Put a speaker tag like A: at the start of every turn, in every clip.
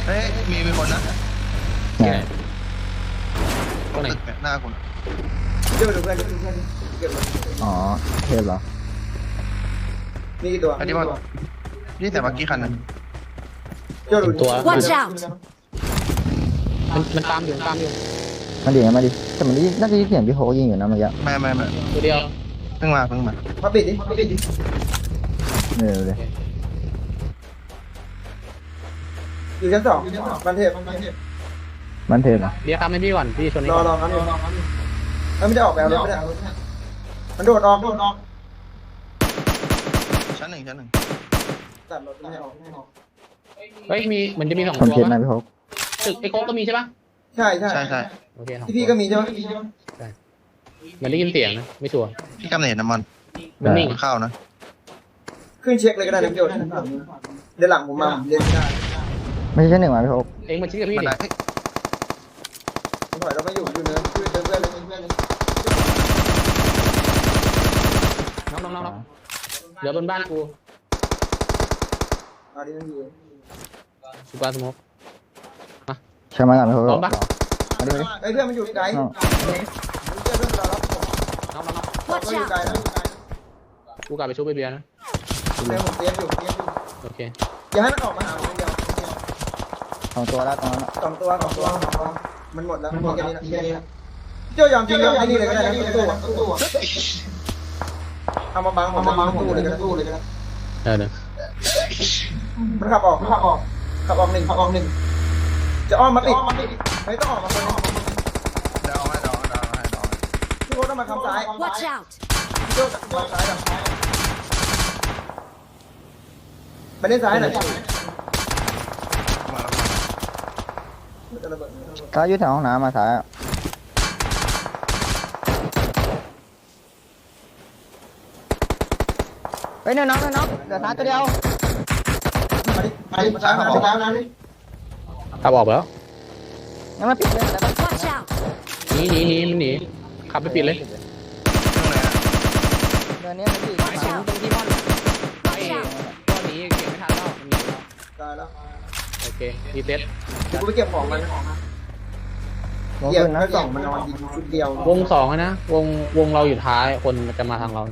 A: เฮ้ยมีคนนะ
B: ไหนตัวไหน
A: ตึกหน้าคุณ
C: เดี๋ยวไปดูเพื่อนเก็บเลย
B: อ๋อเทพเหรอ
C: มีกี่ตัว
A: อันนี้ว่านี่แต่เมื่อกี้คันนึง
C: เจ้าดู
B: ตัว
D: Watch out!
B: มันตามอยู่ตามอยู่
E: มาดิมาดิแต่มันน่าจะยินเสียงพี่โฮยิงอยู่นะเมื่อกี้
A: ไม่
B: ตัวเดียว
A: เพิ่งมา
C: มาปิดดิ
E: เลย
C: อยู่ชั้นสองบันเทพ
E: มันเทพเหรอ
B: เดี๋ยวทำให้พี่ก่อนพี่ชนนี้
C: รอ
B: ก่อน
C: ครับแล้วไม่ได้ออกแบบรถไม่ได้มันโดดออก
A: ชั้นหนึ่ง
C: ตัดรถไม่ออก
B: เฮ้ยมีมันจะมีสอง
E: คน
B: ตัว
E: เจ็บนะ
B: ปะ
E: พี่โฮ
B: ตึกไอ้โค้กก็มีใช่ปะ
C: ใช่
A: ใช่
B: โอเคสอง
C: ที่พี่ก็มีใช่ไหม
B: เหมือนได้ยินเสียงนะไม่ชัวร์
A: พี่กำเนิดน้ำมัน
B: มันนิ่ง
A: เข้านะ
C: ขึ้นเช็คเลยก็ได้นะพี่โจเดี๋ยวหลังผมมาเล่นไม่ได้
E: ไม่ใช่ชั้นหนึ่งมาพี่โฮ
B: เองมาชี้กับพี่
A: มัน
B: ดิ
A: ได้
C: ผมถอยเราไม่อยู่เนินคือเดินเพื่อนเลย
B: น้องเหลือบนบ้านกู
C: อันนี้มันอยู่
B: สุปาสโมก
E: ใช่ไหมกันพี่โฮ
B: พร้อมปะ
E: มาดิมาดิ
C: ไอ้เพื่อนมันอยู่ไกลเพื่อนเรารับผม
B: น้อง
C: เรา
D: Watch
C: อยู่
D: out!
C: ไกลนะ
B: กูกลับไปชุบไปเบียร์นะ
C: เพื่อนผมเตี้ยอยู่
B: โอเค
C: อย่าให้มันออกมาหาผมเดียว
E: สองตัวแล้วตรงนั้น
C: สองตัวมันหมดแล้วมีแค่นี้นะพี่โจยอมจริงยอมไอ้นี่เลยก็ได้นะตู้เอามาบังตู้เลยก็ได้
B: เดี๋ยว
C: มันขับออกหนึ่งจะอ้อมมาติดไม่ต้องออกมาคน
A: เดาให้
C: พี่โค้ต้องมาคำซ้าย
D: Watch out!
C: พี่โจ้มาซ้ายไปเล่นซ้ายหน่อย
A: มา
C: จะระเบิด
E: ถ้าอยู่แถวห้องน้ำมาซ้ายเฮ้ยน้องเดี๋ยวซ้ายตัวเดียว
C: มาดิซ้ายขับออกนะนี่
B: ขับออกไปแล้ว
E: งั้นมาปิดเลยอะไรบ้าง
D: Watch out!
B: หนีมันหนีขับไปปิดเลย
A: ตรงไหน
E: เดือนนี้มันปิด
D: Watch out!
B: ตรงที่ม่อนไอ้
D: Watch out!
B: ก้อนนี้เก็บไม่ทันแล้วมันหนีแล้ว
C: ตายแล้ว
B: โอเครีเซ็ต
C: กูไปเก็บของมัน
E: ลง
C: เก็บ
E: ขึ้นนะ
C: แล้วส่องมันนอนยิงชุดเดียว
B: วงสองนะวงเราอยู่ท้ายคนจะมาทางเรา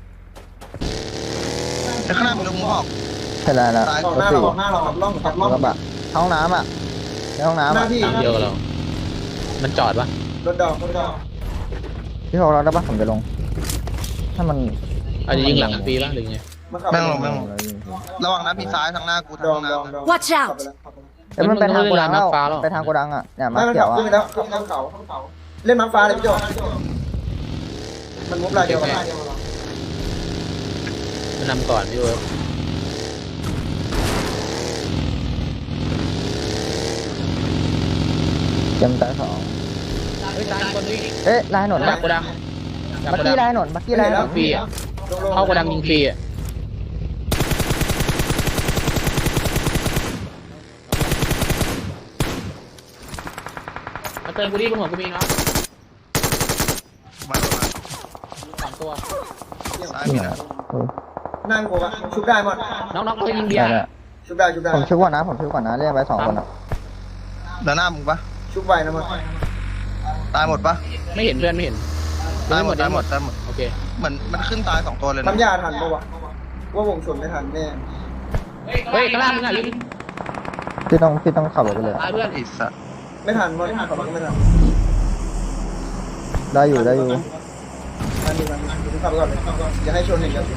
A: แต่ข้างหน้ามีลมออก
E: ใช่แล้ว
C: ออกหน้าเราขับล่อง
E: กระบะห้องน้ำอ่ะในห้องน้ำ
C: หน้า
E: อ่ะ
C: ที่
B: ตามเดียวกับเรามันจอดปะ
C: รถดอก
E: พี่โฮเราได้ปะผมจะลง ถ้ามัน
B: อาจจะยิงหลังฟรีปะหรือไง
C: มันขับ
A: แม่งลงระวังนะพี่ซ้ายทางหน้ากู
C: ด
A: ทา
C: อง ง
A: หน้า
D: Watch out
E: เอ้ยมันไปทางโกดังแล้วไปทางโกดังอ่ะเนี่ยมา
C: ไม่มัน
E: เขี
C: ขั
E: ย
C: บ
E: วอ่ะ
C: ขึ้นไปแล้วขับเขาเล่นมังฟ้าเลยพี่โจมันมุบลายเดียวกัน
B: มันนำก่อนพี่เวิร์
E: เต็มตาสอง
B: เฮ้ยตายคนวิ่ง
E: เอ๊ะลายถนน
B: จากโกดัง
E: บักกี้ลายถนนบักกี้ลายถนน
B: ฟรีอ่ะเข้าโกดังยิงฟรีอ่ะเติมกูดิบนหัวกูมีเนาะ
A: มา
B: สามตัว
A: ซ้ายมีนะ
C: นั่งกูอะชุบได้หมด
B: น้องๆเขายิงเบีย
E: ได้
B: ร์
E: ได้
C: ชุบได้
E: ผมชุบก่อนนะเรียกไปสองคนอ่ะ
A: ด้านหน้ามึงปะ
C: ชุบไวนะมัน
A: ตายหมดปะ
B: ไม่เห็นเพื่อนไม่เห็น
A: ตายหมด
B: โอเค
A: เหมือนมันขึ้นตาย2ตัวเลยนะ
C: ทำยาทันปะวะว่าวงชนไม่ทันแน่
B: เฮ้ยข้างล่างมึงอ่ะลิง
E: พี่ต้องขับรถไปเลย
B: ตายเพื่อน
A: ไอ้สัส
C: ไม่ทันมันขับรถก็ไม่ทัน
E: ได้อยู่
C: ทันดีขับไปก่อนเลยอย่าให้ชนหนึ่งกัน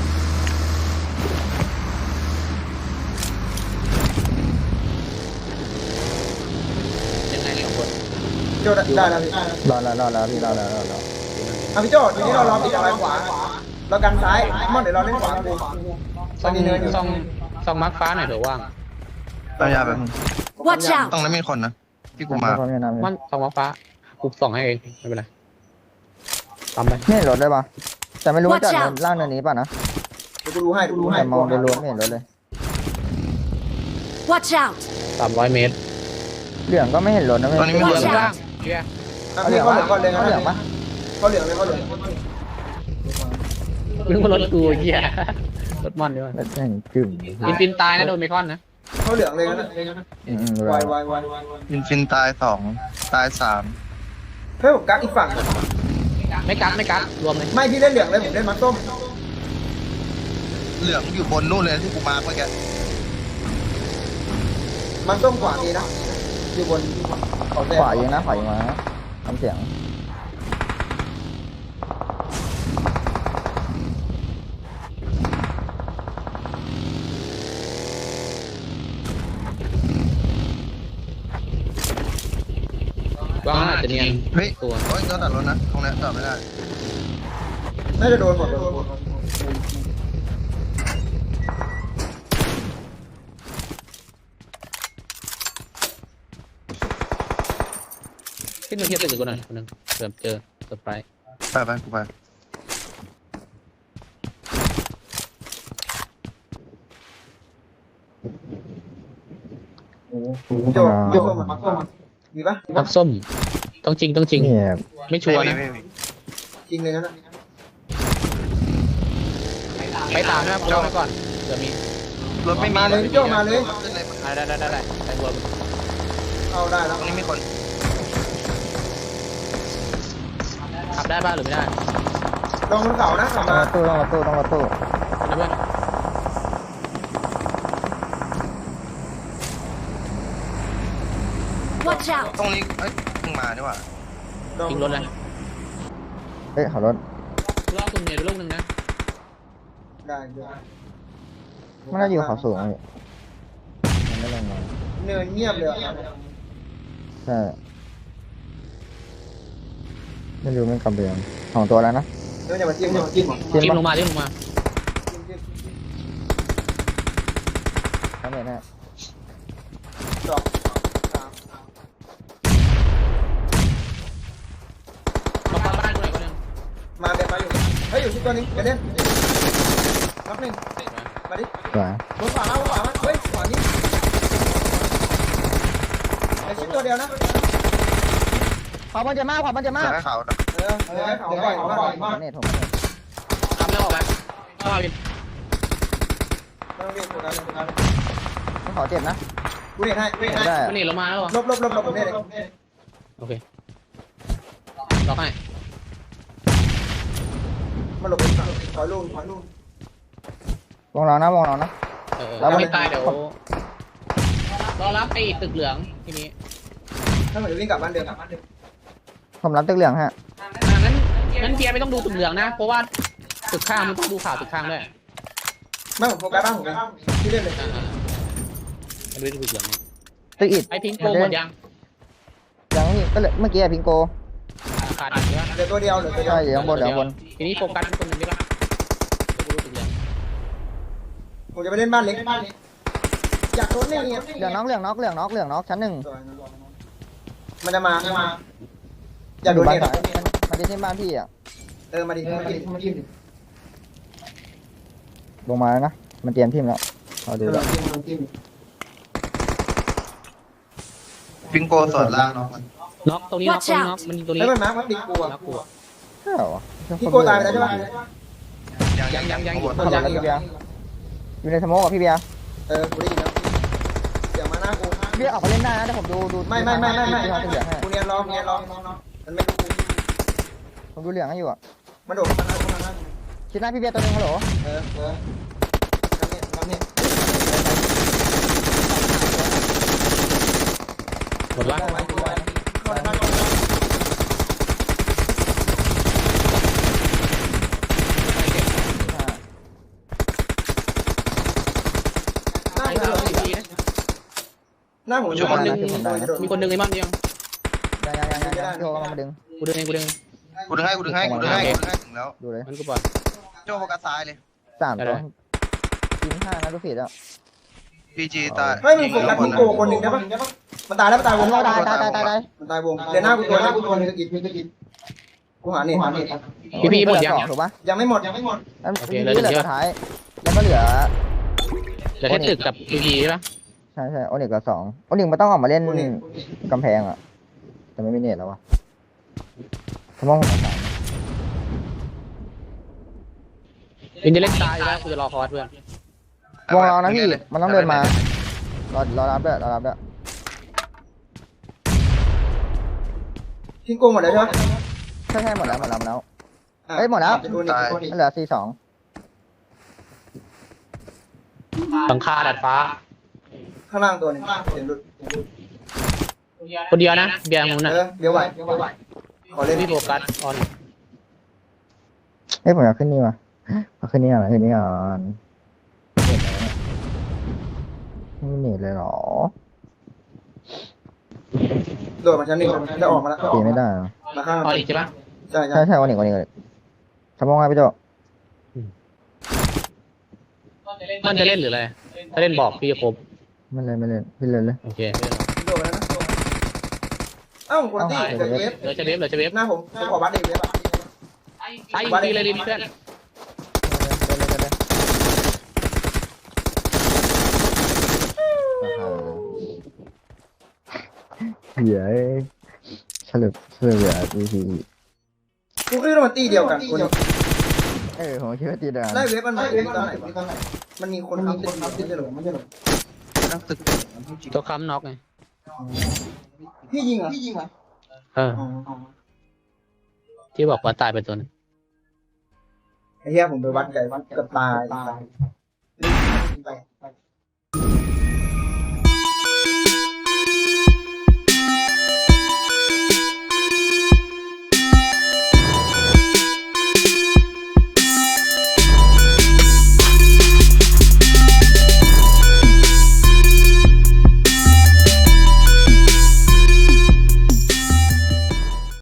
B: ยังไงสองคน
C: โจได้แล้วพี่
E: รอแล้วพี่รอแล้ว
C: อ่ะพี่โจทีนี้เราล้อมติดอะไรขวาเรากันซ้ายมอนเดี๋ยวเราเล่นขวากู
B: ซองมาร์คฟ้าหน่อยเถอะว่าง
A: เอายาแบบ
D: Watch
A: ตร
D: out!
A: งนั้นมีคนนะที่กูมา
E: พร้อมยังน้ำ
B: มันซองมาร์คฟ้ากูส่องให้เองไม่เป็นไรทำไป
E: ไม่เห็นรถได้ปะแต่ไม่รู้ว่าจอดล่างเนินนี้ป่ะนะ
C: กูรู้ให้
E: แต่มองโดยรวมไม่เห็นรถเลย
D: Watch out!
B: 300 เมตร
E: เหลืองก็ไม่เห็นรถนะ
A: ตอนนี้ไม่
B: เห
A: เห
B: ลื
A: ลื
B: อ
A: อ
B: ข้างล่างเบียร์
C: พี่เขาเหลืองก่อนเลย
E: เหลืองปะ
C: เขาเหลืองเลยเขาเหลือง
B: มึงมารถกูเหี้ยรถมอนดีกว่าร
E: ถแห่งกึ่ม
B: ปินตายนะโดนเมคอนนะ
C: เขาเหลืองเลยนะ
E: ดู
C: วา
E: แล้
C: ยว วาย
A: อินฟินตาย2ตาย3
C: เฮ้ยผมกักอีกฝั่ง
B: ไม่กักรวมเลย
C: ไม่พี่เล่นเหลืองเลยผมเล่นมัดส้ม
A: เหลืองอยู่บนนู่นเลยที่กูมาร์คเมื่อกี้
C: มัดส้มขวามีนะอยู่บนเขาแดง
E: ขวายิงนะขวายิงมาทำเสียง
B: ว่าอาจจะเนียน
A: เฮ้ย
B: ตัว
A: โอ้ยก็ตัดรถนะตรงนี้ตัดไม่ได้
C: น่าจะโดนหมด
B: ขึ้นมาเทียบตึกกูหน่อยคนนึงเผื่อเจอเซอร์ไพรส์
A: ไปกูไป
C: โยกส้มมัดส้มมีปะ
B: ทับส้มต้องจริง
E: นี่
B: ไม่ชัวร์นะ
A: ไม่มี
C: จริงเลยนะ
B: ไปตามนะครับโจ้ไปก่อนเผื่อมี
A: รถไม่มี
C: มาเลยพี่โจ้มาเลย
A: ขึ้นเลย
B: ได้ไปรวม
C: เอาได้แล้ว
A: ตรงนี้มีคน
B: ขับได้บ้างหรือไม่ได้
C: ลงบนเขานะขับ
E: ต้อง
C: มา
E: มาตู้ต้องมาตู้ต้องมาตู้
B: นะเพื่อน
D: Watch out!
A: ตรงนี้เอ้ยเพิ่งมานี่หว่า
B: ทิ้งรถเลย
E: เฮ้ยขับรถ
B: รอบตรงเนียลูกนึงนะ
C: ได้
E: มันน่าอยู่เขาสูงเลยมันไม่ลงมา
C: เนินเงียบเลย
E: ใช่ไม่รู้มันกำเบียงของตัวแล้วนะ
C: เนินอย่ามาจิ้มอย่ามาจิ้ม
B: จิ้มล
E: ปะ
B: งมา
E: ทำไงนะ
C: สองสาม
B: มาบ้านกูหน่อยคนนึง
C: มาเดินมาอยู่เฮ้ยอยู่ที่ตัวนี้เดินนับหนึ่งมาดิ
E: สวย
C: บนขวามาเฮ้ยขวานี้ไอ้ชิ้นตัวเดียวนะ
E: ขวามันจะมากขวามันจะ
A: เห
E: มา
A: ลื
E: ก
A: อแค่เขา
C: เดี๋ยวให้เขาบ่อยมาก
E: เน็ตผมเน็ต
B: ทำแล้วออกไปเข้ามาวิน
C: ไม่ต้องเรียกโฟกัส
E: ต้องขอเจ็บนะ
C: กูเรียกให้
E: ไม่ได้
B: มันหนีลงมาแล้วเหรอ
C: ลบผมเรียกเลย
B: โอเคล็อกให้
C: มาหลบไปฝั่งถอยลูก
E: วงเรานะวงเรานะ
B: แล้วไม่ตายเดี๋ยวรอรับไปตึกเหลืองทีนี้
C: ถ้าเหมือนวิ่งกลับบ้านเดิม
E: ผมรับตึกเหลืองฮะ
B: งั้นเบียร์ไม่ต้องดูตึกเหลืองนะ เพราะว่าตึกข้างมันต้องดูข่าวตึกข้างด้วย
C: ไม่ผมโฟกัสบ้านผมเลยที่เล่นเลย
B: มันไม่ดูตึกเหลือง
E: ตึกอิด
B: ไอพิงโกหมดยัง
E: ยังนี่ก็เลยเมื่อกี้พิงโก
B: ขาดอีกเยอะ
C: เหลือตัวเดียว
E: ใช่อยู่ข้างบนเหลือบน
B: ทีนี้โฟกัสคนหนึ่งได้ปะดูตึกเหลือง
C: ผมจะไปเล่นบ้านเล็กอยากโดนเล่นเนี่ย
E: เหลืองน็อกชั้นหนึ่ง
C: มันจะมาอยากโดน
E: บ้าน
C: เนี่ย
E: สายมันจะที่บ้านพี่อ่ะ
C: มาดิ
E: ลงมาแล้วนะมันเตรียมทีมแล้วเราดูแล้ว
A: ฟิงโกสอดล่างเนาะ
B: น็อกตรงนี้น็อกตรงนี้น็อกมันยิงตรงนี้
C: แล้วมันมาร์คมันติดกลัว
B: น็อกกู
E: ใช่เหรอ
C: พี่โกตายไปแล้วใช่ปะ
B: ยัง
E: ขับรถแล้วพี่เบียร์อยู่ในสโมกกับพี่เบียร์
C: กูได้ยินแล้วเสียงมาหน้ากู
E: พี่เบียร์ออกไปเล่นได้นะแต่ผมดู
C: ไม่
E: ที่เขาตึกเหลืองให้
C: กูเนียนรอมันไม่รู้
E: ผมดูเหลืองให้อยู่อ่ะ
C: มันโดดเข้ามาหน้า
E: คิดหน้าพี่เบียร์ตัวนึงฮัลโหล
C: เนี่ย
B: หมดวะ
C: หน้าผม
B: มีคนดึงไอ้มันยัง
E: ยังพี่โอมาดึง
B: กูดึงเอง
A: กูดึงให้ถึงแล้ว
E: ดูเลย
B: มันกูปล่อย
A: โจ้โฟกัสซ้ายเลย
E: 3 ตัวยิง5นะดูผิดแล้ว
A: พีจีตาย
C: เฮ้ยมึงโฟกัสพี่โกคนหนึ่งได้ปะมันตายแล้วมันตายวง
E: ตาย
C: มันตายวงเดี๋ยวหน้ากูตัวนึงกูหาเนี่ย
B: พี่หมดยัง
E: ถูกปะ
C: ยังไม่หมด
E: เหลือสุดท้ายแล้วก็เหลือ
B: เหลือแค่ตึกกับพีใช่ปะ
E: ใช่โอนิกกับ2โอนิกมันต้องออกมาเล่นกำแพงอ่ะแต่ไม่มีเน็ตแล้ววะผมมองผมต่าง
B: วินจะเล่นตายแล้วกูจะรอคอร์สเพื่อน
E: วงเรานะพี่มันต้องเดินมารอรับด้วยรอรับด้วย
C: ทิ้งโกงหมดแล้วใช่ไหม
E: ใช่หมดแล้วแล้ว
C: อ่ะ
E: เอ้ยหมดแล้ว
C: ตัวนี้ตัวนี้
E: เหลือ42
B: หลังคาดัดฟ้า
C: ข้างล่างตัวหนึงเสียงหลุด
B: คนเดียวนะเบียร์มึงน่ะ
C: เดี๋ยวไหวขอเล่น
B: พี่โฟกัสออน
E: เอ้ยผมอยากขึ้นนี่ว่ะเอาขึ้นนี่ก่อนขึ้นนี่ก่อนไม่เน็ตเลยเหรอ
C: โดดมาชั้นหนึ่งจะออกมาแล้ว
E: ตีไม่ได้เหรอ
C: มาข้าง
B: ออนอีกใช่ปะ
C: ใช่ใช่
E: ใช่วันนี้ทำมองไงพี่โจ
B: มันจะเล่นหรืออะไรถ้าเล่นบอกพี่จะครบ
E: ไม่เล่นพี่เล่นเลย
B: โอเค
C: โดดแล้วนะเอ้าคนที่เกิดเวฟ
B: เหลือจะเวฟเหลือจะเวฟ
C: หน้าผมขอบัตรเด็กเวฟอ่ะ
B: ไอ้ดีเลยดิเพื่อน
E: เหี้ยฉลุเหลือที
C: กูคิดว่ามันตีเดียวกันคน
E: ผมคิดว่าตีเดียว
C: ไล่เวฟมันมาเวฟตอนไหนมันมีคนทำติดไม่ใช่หรอไม่ใช่หรอ
A: นักตึก
B: ตัวค้ำน็อกไง
C: พี่ยิงเหรอ
B: เออที่บอกว่าตายไปตัวนึง
C: ไอ้เหี้ยผมไปวัดไก่วัดเกือบตาย